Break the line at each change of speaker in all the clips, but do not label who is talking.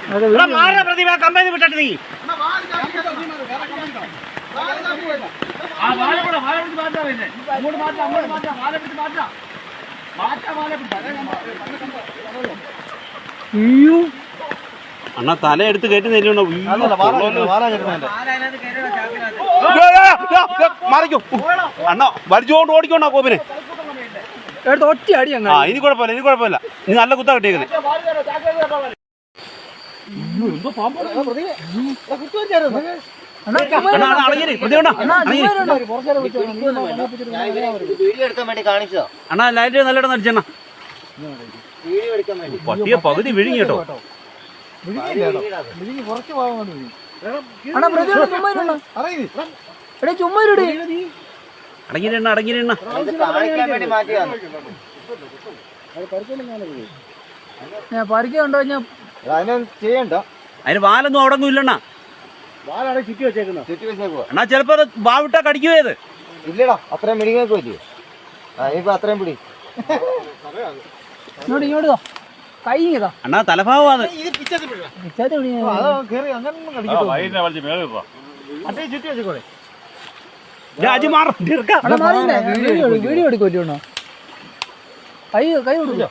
പ്രതിഭ company വിട്ടിട്ട് നീ അണ്ണാ തല എടുത്ത് കയറ്റി നെല്ലുണ്ടോ അണ്ണ വലിച്ചോണ്ട് ഓടിക്കോണ്ടാ കോപ്പിനെ
ഒറ്റ അടി
ഇനി കുഴപ്പമില്ല ഇനി കുഴപ്പമില്ല നീ നല്ല കുത്താ കിട്ടിയേക്കുന്നത് അണ്ണാ ലൈറ്റ് നല്ലോണം നടിച്ചെണ്ണ പട്ടിയെ പകുതി വിഴുങ്ങി കേട്ടോ അടങ്ങിയിരണ അടങ്ങിയിരണ
പറിക്കുണ്ടോ
ചെയ്യണ്ട
അതിന് വാലൊന്നും അവിടെ ഒന്നും ഇല്ലണ്ണ
ചുറ്റി വെച്ചേക്കുക
എന്നാ ചിലപ്പോ അത് വാവിട്ടാ കടിക്കുവേത്
ഇല്ലടാ അത്രയും മെഡിങ്ങൊക്കെ പറ്റി ഇപ്പൊ അത്രയും പിടി
ഇങ്ങോട്ടോ കൈ
അണ്ണാ തലഭാവമാണ്
വീഡിയോ എടുക്കുമല്ലോ കൈ കൈ കൊടുക്കോ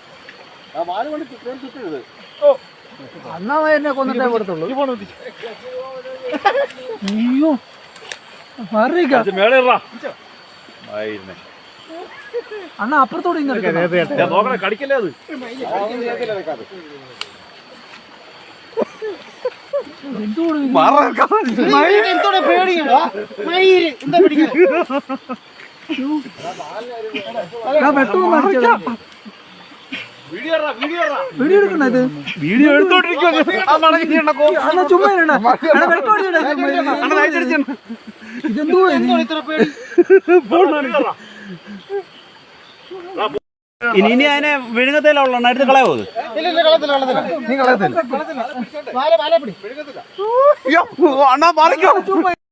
അന്നാ മരുന്നെ കൊന്നിട്ടേ കൊടുത്തുള്ളൂ അയ്യോ അണ്ണ അപ്പുറത്തോടെ
നോക്കണേ കടിക്കല്ലേ അത്
വീഡിയോ എടുക്കണത്
വീഡിയോ എടുത്തോണ്ടിരിക്കും
ഇതെന്തോ
ഇനി അതിനെ വിഴുങ്ങത്തേല ഉള്ള എടുത്ത് കളയോ അണ്ണാ മറിക്കോ